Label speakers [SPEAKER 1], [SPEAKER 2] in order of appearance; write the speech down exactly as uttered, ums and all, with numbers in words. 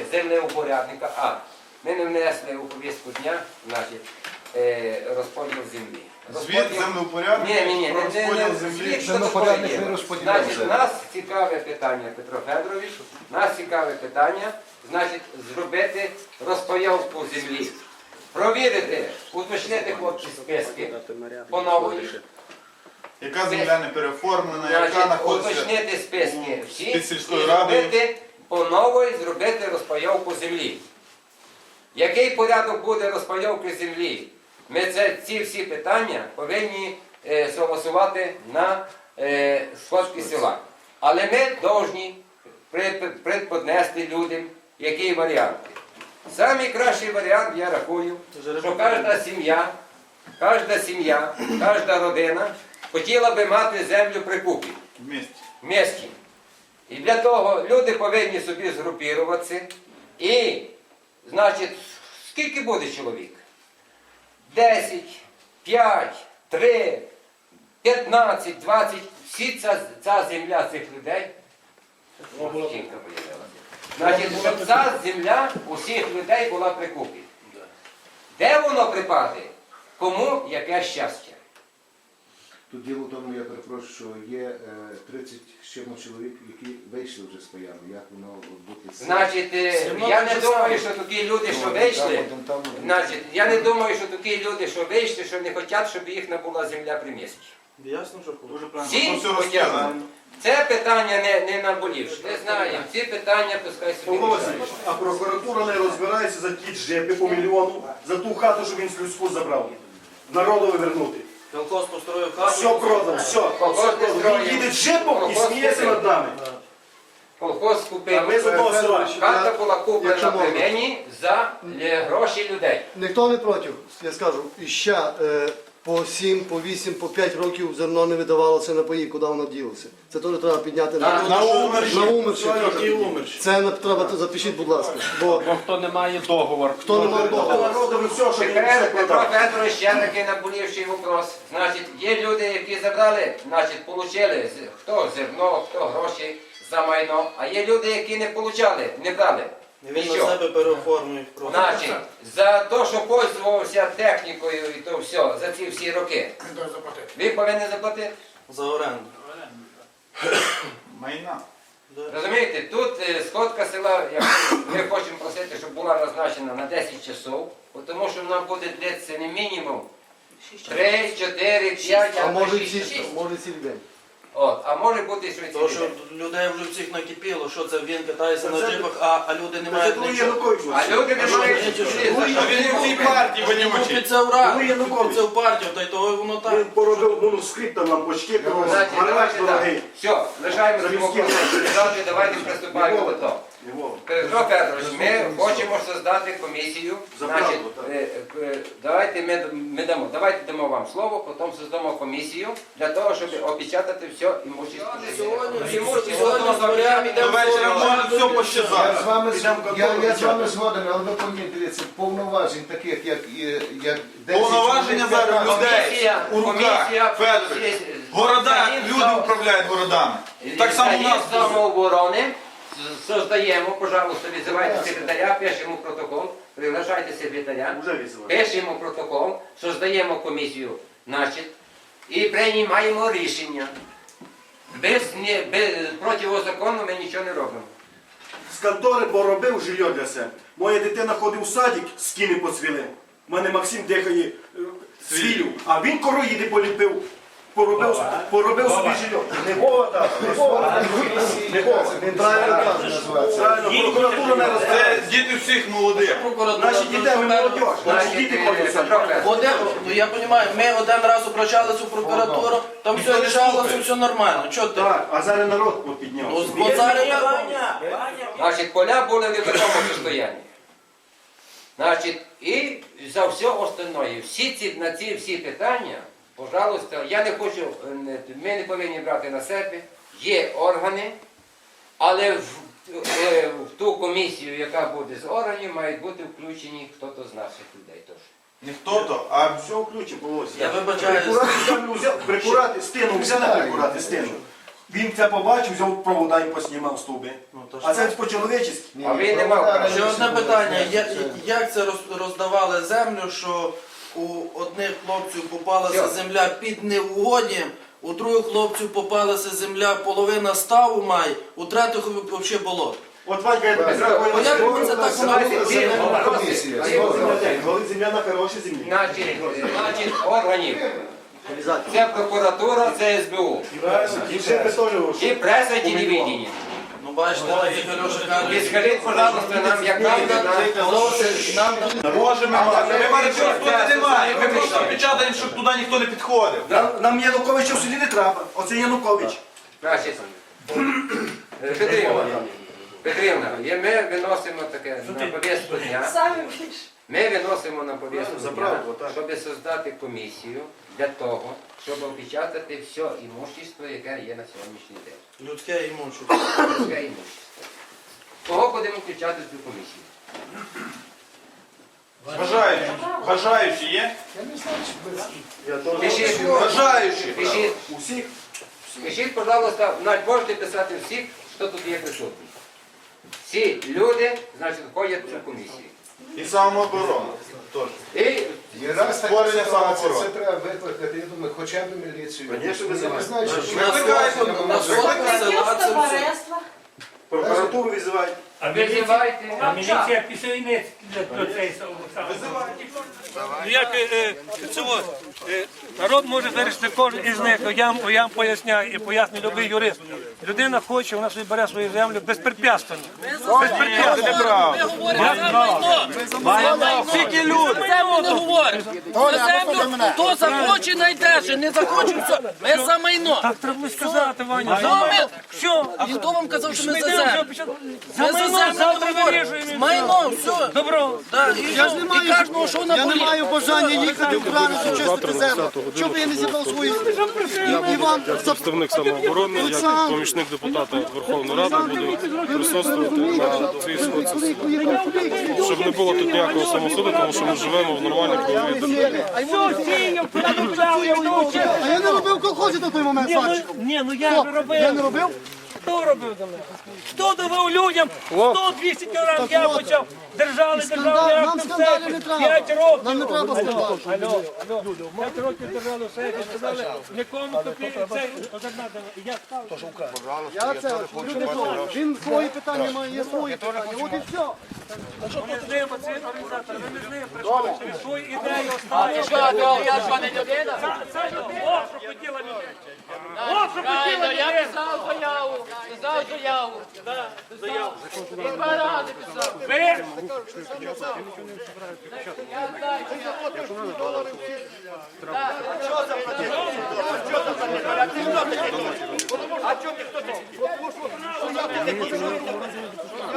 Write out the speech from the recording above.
[SPEAKER 1] землеупорядника. А, ми не внесли у повістку дня, значить, е, розподіл землі.
[SPEAKER 2] Звіт землеупорядника
[SPEAKER 1] Ні, ні, ні,
[SPEAKER 2] про
[SPEAKER 1] не, не,
[SPEAKER 2] розподіл
[SPEAKER 1] не,
[SPEAKER 2] землі.
[SPEAKER 1] звіт, що
[SPEAKER 3] Землеупорядник
[SPEAKER 1] таке є.
[SPEAKER 3] не розподіляє
[SPEAKER 1] Значить,
[SPEAKER 3] землю.
[SPEAKER 1] нас цікаве питання, Петро Федорович, нас цікаве питання, значить, зробити розпайовку землі. Провірити, уточнити хлопці списки по нової.
[SPEAKER 2] Яка земля не переоформлена, яка
[SPEAKER 1] Значить,
[SPEAKER 2] знаходиться
[SPEAKER 1] уточнити списки
[SPEAKER 2] у-
[SPEAKER 1] всі
[SPEAKER 2] під
[SPEAKER 1] і
[SPEAKER 2] сільською радою.
[SPEAKER 1] зробити по нової зробити розпайовку землі. Який порядок буде розпайовки землі? Ми це, ці всі питання повинні е, согласувати на е, сходці села. Але ми повинні предподнести людям, який варіант. Самий кращий варіант, я рахую, що кожна сім'я, кожна сім'я, кожна родина хотіла би мати землю при купі,
[SPEAKER 2] в місті.
[SPEAKER 1] в місті. І для того люди повинні собі згрупіруватися і, значить, скільки буде чоловік? десять, п'ять, три, п'ятнадцять, двадцять, всі ця, ця земля цих людей, жінка появилася. Значить, щоб ця земля усіх людей була при купі. Де воно припаде? Кому яке щастя?
[SPEAKER 3] Тут діло в тому, я перепрошую, що є е, тридцять з чимось чоловік, які вийшли вже з паями. Як воно бути?
[SPEAKER 1] Значить, е, я не думаю, що такі люди, що вийшли, значить, я не думаю, що такі люди, що вийшли, що не хочуть, щоб їхня була земля при місті.
[SPEAKER 4] Ясно, що
[SPEAKER 2] Дуже
[SPEAKER 1] Всі
[SPEAKER 2] правильно. Все
[SPEAKER 1] хотять.
[SPEAKER 2] розказано.
[SPEAKER 1] Це питання не, не наболівши. Не знаємо. Ці питання пускай собі
[SPEAKER 5] Павло
[SPEAKER 1] рішають.
[SPEAKER 5] Васильович, а прокуратура не розбирається за ті джепи по мільйону, за ту хату, що він з людську забрав. Народові вернути.
[SPEAKER 4] Колхоз построїв хату.
[SPEAKER 5] Все продав, все.
[SPEAKER 1] Колхоз не строїв.
[SPEAKER 5] Він їде джепом і
[SPEAKER 1] Колхоз
[SPEAKER 5] сміється
[SPEAKER 1] купив.
[SPEAKER 5] над нами.
[SPEAKER 1] Колхоз
[SPEAKER 5] А
[SPEAKER 1] купив.
[SPEAKER 5] ми з одного села.
[SPEAKER 1] Хата була куплена
[SPEAKER 3] Якщо
[SPEAKER 1] при
[SPEAKER 3] можна.
[SPEAKER 1] мені за е, гроші людей.
[SPEAKER 6] Ніхто не проти, я скажу. І ще е, по сім, по вісім, по п'ять років зерно не видавалося на паї, куди воно ділося. Це теж треба підняти на,
[SPEAKER 1] Так,
[SPEAKER 2] На умерші.
[SPEAKER 6] на умерші.
[SPEAKER 5] Які умерші.
[SPEAKER 6] Це не треба, запишіть, будь ласка. Бо
[SPEAKER 7] Бо хто не має договор,
[SPEAKER 6] хто не має договору.
[SPEAKER 5] Народові все, що він все
[SPEAKER 1] Тепер Петро
[SPEAKER 5] продав.
[SPEAKER 1] Федорович ще такий наболівший вопрос. Значить, є люди, які забрали, значить, получили з- хто зерно, хто гроші за майно, а є люди, які не получали, не брали.
[SPEAKER 4] І він на
[SPEAKER 1] Нічого.
[SPEAKER 4] себе переоформив просто.
[SPEAKER 1] Значить, за те, що пользувався технікою і то все, за ці всі роки, ви повинні заплатити.
[SPEAKER 4] За оренду.
[SPEAKER 2] Майна.
[SPEAKER 1] Розумієте, тут е, сходка села, як ми хочемо просити, щоб була назначена на десять часов, тому що нам буде длитися не мінімум три, чотири, п'ять,
[SPEAKER 6] А
[SPEAKER 1] або
[SPEAKER 6] може
[SPEAKER 1] шість.
[SPEAKER 6] ці, може цілий день.
[SPEAKER 1] От, а може бути, що і
[SPEAKER 4] Тому
[SPEAKER 1] цілий
[SPEAKER 4] що
[SPEAKER 1] день.
[SPEAKER 4] людей вже всіх накипіло, що це він катається
[SPEAKER 5] Це
[SPEAKER 4] на
[SPEAKER 5] це-
[SPEAKER 4] джипах, а, а люди не
[SPEAKER 5] Це
[SPEAKER 4] мають
[SPEAKER 5] другий
[SPEAKER 4] нічого.
[SPEAKER 5] Янукович.
[SPEAKER 1] А люди не
[SPEAKER 4] А що,
[SPEAKER 1] мають
[SPEAKER 4] нічого?
[SPEAKER 1] чути, за
[SPEAKER 2] А
[SPEAKER 1] що
[SPEAKER 2] він у цій партії вонючий.
[SPEAKER 4] Купиться в рад,
[SPEAKER 5] Ну, Янукович.
[SPEAKER 4] купиться в партію, та й того воно
[SPEAKER 5] Він
[SPEAKER 4] так.
[SPEAKER 5] поробив манускрипт там нам почки,
[SPEAKER 1] Значить,
[SPEAKER 5] гараж
[SPEAKER 1] давайте
[SPEAKER 5] дорогий.
[SPEAKER 1] так. Все, лишаємо
[SPEAKER 5] За
[SPEAKER 1] ці
[SPEAKER 5] міські
[SPEAKER 1] вопроси. Завтра давайте приступаємо до того.
[SPEAKER 5] Його.
[SPEAKER 1] Петро Федорович, ми хочемо создати комісію.
[SPEAKER 5] За
[SPEAKER 1] Значить,
[SPEAKER 5] правду, так.
[SPEAKER 1] е, е, давайте ми, ми дамо, давайте дамо вам слово, потім создамо комісію для того, щоб опечатати все імущество.
[SPEAKER 4] Сьогодні,
[SPEAKER 1] Імущество
[SPEAKER 4] сьогодні з морями
[SPEAKER 2] До
[SPEAKER 4] йдемо
[SPEAKER 2] вечора може все
[SPEAKER 3] Я
[SPEAKER 2] пощазати.
[SPEAKER 3] з вами,
[SPEAKER 5] Підемо в
[SPEAKER 3] я,
[SPEAKER 5] контору
[SPEAKER 3] я з вами
[SPEAKER 5] печатати.
[SPEAKER 3] згоден, але ви повинні дивитися повноважень таких, як, е, як десять
[SPEAKER 2] Повноваження
[SPEAKER 3] чоловік,
[SPEAKER 2] зараз
[SPEAKER 3] п'ятнадцять.
[SPEAKER 2] людей
[SPEAKER 1] Комісія,
[SPEAKER 2] у руках.
[SPEAKER 1] комісія,
[SPEAKER 2] Федорович.
[SPEAKER 1] всі-
[SPEAKER 2] Города,
[SPEAKER 1] Заїзд
[SPEAKER 2] люди
[SPEAKER 1] за-
[SPEAKER 2] управляють городами. Так само у нас.
[SPEAKER 1] Заїзд самооборони создаємо, пожалуйста, визивайте секретаря, пишемо протокол, приглашайте секретаря.
[SPEAKER 5] Вже візивали.
[SPEAKER 1] Пишемо протокол, создаємо комісію, значить, і приймаємо рішення. Без, не, без противозаконно ми нічого не робимо.
[SPEAKER 5] З контори поробив жилье для себе. Моя дитина ходить у садик, скіни поцвіли. У мене Максим дихає е, свілю, а він короїди поліпив. Поробив, поробив собі жилье. Не Вова, так, не Вова. Не Вова.
[SPEAKER 6] Він правильно каже.
[SPEAKER 3] Називається.
[SPEAKER 5] Правильно, прокуратура не
[SPEAKER 2] Це
[SPEAKER 5] розбирається.
[SPEAKER 2] діти всіх молодих.
[SPEAKER 4] прокуратура.
[SPEAKER 5] Наші діти, ми молодь, наші
[SPEAKER 1] Значить,
[SPEAKER 5] діти
[SPEAKER 1] е,
[SPEAKER 5] ходять у садик.
[SPEAKER 1] Петро Федорович,
[SPEAKER 4] Один, ну я розумію, ми один раз обращались у прокуратуру, там
[SPEAKER 2] Ніхто
[SPEAKER 4] все
[SPEAKER 2] не
[SPEAKER 4] рішалося,
[SPEAKER 2] слухає.
[SPEAKER 4] все нормально. Чого ти?
[SPEAKER 5] Так, а зараз народ
[SPEAKER 4] Ну,
[SPEAKER 5] піднявся.
[SPEAKER 4] бо зараз я...
[SPEAKER 1] значить, поля були в невідомому стані. Значить, і за все остальное, всі ці, на ці всі питання, пожалуйста, я не хочу, е, не- ми не повинні брати на себе, є органи, але в, е, в ту комісію, яка буде з органів, мають бути включені хтось з наших людей теж.
[SPEAKER 2] Не хто-то, а
[SPEAKER 5] Все включимо, Володя.
[SPEAKER 4] Я вибачаюсь.
[SPEAKER 5] Прикурати землю взяв, прикурати стіну, взяли прикурати стіну. Він це побачив, взяв провода і поснімав стовби. А це по-чоловічески.
[SPEAKER 3] Ні,
[SPEAKER 1] А
[SPEAKER 3] ні,
[SPEAKER 1] він не мав
[SPEAKER 3] провода
[SPEAKER 1] права.
[SPEAKER 4] Ще
[SPEAKER 3] раніше
[SPEAKER 4] одне
[SPEAKER 3] були.
[SPEAKER 4] питання. Я- Як це роз- роздавали землю, що у одних хлопців попалася
[SPEAKER 1] Все.
[SPEAKER 4] земля під невугодням, у других хлопців попалася земля половина ставу має, у третіх взагалі болото.
[SPEAKER 5] От Ванька, я тобі
[SPEAKER 1] Петро,
[SPEAKER 5] зразу
[SPEAKER 4] а як
[SPEAKER 5] говорю,
[SPEAKER 4] ви це так
[SPEAKER 5] що
[SPEAKER 4] робите?
[SPEAKER 5] земля-
[SPEAKER 1] Давайте,
[SPEAKER 5] земля-
[SPEAKER 1] Ні,
[SPEAKER 3] Комісія,
[SPEAKER 1] ні,
[SPEAKER 3] згодом.
[SPEAKER 5] Коли земля на хорошій землі.
[SPEAKER 1] Значить, значить, органів. Це прокуратура, це ес бе у.
[SPEAKER 5] І ще би теж
[SPEAKER 1] І преса, і телевидение.
[SPEAKER 4] Ну бачите, так як Альоша
[SPEAKER 1] І
[SPEAKER 4] каже,
[SPEAKER 1] скажіть, пожалуйста, нам, як нам, нам, нам,
[SPEAKER 2] Можемо мати. Ми маємо
[SPEAKER 1] Це-
[SPEAKER 2] тут
[SPEAKER 1] це-
[SPEAKER 2] немає. Ми
[SPEAKER 1] це-
[SPEAKER 2] просто печатаємо, щоб туди ніхто не підходив.
[SPEAKER 5] Нам, нам Януковича в селі не треба. Оце Янукович.
[SPEAKER 1] Значить, е, Петрівна, Петрівна, є- ми виносимо таке на повістку дня. Ми виносимо на повістку дня,
[SPEAKER 5] правду, так.
[SPEAKER 1] щоб создати комісію для того, щоб опечатати все імущество, яке є на сьогоднішній день.
[SPEAKER 4] людське імущество.
[SPEAKER 1] Людське імущество. Кого будемо включати в цю комісію?
[SPEAKER 2] Бажаючі. Бажаючі є?
[SPEAKER 1] Пишіть,
[SPEAKER 2] Бажаючі.
[SPEAKER 1] пишіть,
[SPEAKER 5] Усіх.
[SPEAKER 1] пишіть, пожалуйста, навіть можете писати всіх, хто тут є присутній. Всі люди, значить, входять в цю комісію.
[SPEAKER 2] І самооборона. Теж.
[SPEAKER 1] І
[SPEAKER 3] І раз така
[SPEAKER 2] Створення
[SPEAKER 3] ситуація,
[SPEAKER 2] самооборони.
[SPEAKER 3] це треба викликати, я думаю, хоча б міліцію.
[SPEAKER 5] Конечно,
[SPEAKER 3] Я не
[SPEAKER 5] визивайте.
[SPEAKER 3] знаю, що
[SPEAKER 4] На
[SPEAKER 2] Викликайте,
[SPEAKER 4] сотку- на сотку села це все.
[SPEAKER 5] Прокуратуру визивають.
[SPEAKER 7] А міліція,
[SPEAKER 1] визивайте.
[SPEAKER 7] а міліція після до цієї Ну як е, е, цього, е, народ може вирішити кожен із них, я вам, я вам поясняю і пояснюю любий юрист. Людина хоче, вона собі бере свою землю безпрепятственно. Безпрепятственно.
[SPEAKER 8] Скільки люди? Землю не говорить. За землю, хто захоче, найдеше, не захоче, все. Ми за майно.
[SPEAKER 7] Так треба сказати, Ваня.
[SPEAKER 8] Ну, ми-
[SPEAKER 7] Все.
[SPEAKER 8] А хто вам казав, що ми
[SPEAKER 7] Ми
[SPEAKER 8] за
[SPEAKER 7] йдемо вже
[SPEAKER 8] землю?
[SPEAKER 7] почати-
[SPEAKER 8] Ми
[SPEAKER 7] За
[SPEAKER 8] за
[SPEAKER 7] майно
[SPEAKER 8] землю
[SPEAKER 7] завтра
[SPEAKER 8] не говоримо.
[SPEAKER 7] вирішуємо. і
[SPEAKER 8] Майно,
[SPEAKER 7] все.
[SPEAKER 8] все.
[SPEAKER 7] Добро.
[SPEAKER 8] Да, і,
[SPEAKER 6] Я ж не
[SPEAKER 8] що?
[SPEAKER 6] маю,
[SPEAKER 8] І кожного, що на
[SPEAKER 6] я не
[SPEAKER 8] полі.
[SPEAKER 6] маю бажання їхати в крани, чистити землю. Щоб я не зібрав свої і вам
[SPEAKER 9] Представник самооборони, як помічник депутата Верховної Ради, буду присутствувати на цій сходці. Щоб не було тут ніякого самосуду, тому що ми живемо в нормальній правовій державі.
[SPEAKER 7] Все, сіяв, продовжав, я вдовчив.
[SPEAKER 6] А я не робив в колхозі на той момент,
[SPEAKER 7] Ні, ну,
[SPEAKER 6] Сачику.
[SPEAKER 7] ні, ну я ж
[SPEAKER 6] Я не
[SPEAKER 7] робив.
[SPEAKER 6] робив?
[SPEAKER 7] Хто робив за мене? Хто давав людям сто двісті кілограм, я почав. Держали, держали,
[SPEAKER 6] Скандал, нам
[SPEAKER 7] актом
[SPEAKER 6] скандалів не
[SPEAKER 7] сейфі.
[SPEAKER 6] треба.
[SPEAKER 7] П'ять років.
[SPEAKER 6] Нам не треба скандалів.
[SPEAKER 7] Алло, алло. П'ять років держали в сейфі, сказали, нікому копійки, це одна дала. І я став.
[SPEAKER 6] Я це, люди що, він свої питання має, є свої питання. От і все.
[SPEAKER 7] Ми з ним, ці організатори, ми з ним прийшли, що він свої ідеї оставили.
[SPEAKER 8] Я ж не людина.
[SPEAKER 7] Це- Це о, що хотіла людина. О, що хотіла
[SPEAKER 8] Я
[SPEAKER 7] людина.
[SPEAKER 8] писав заяву, писав заяву.
[SPEAKER 7] Заяву.
[SPEAKER 8] І два рази писав.
[SPEAKER 7] Ви
[SPEAKER 8] Я знаю, що я-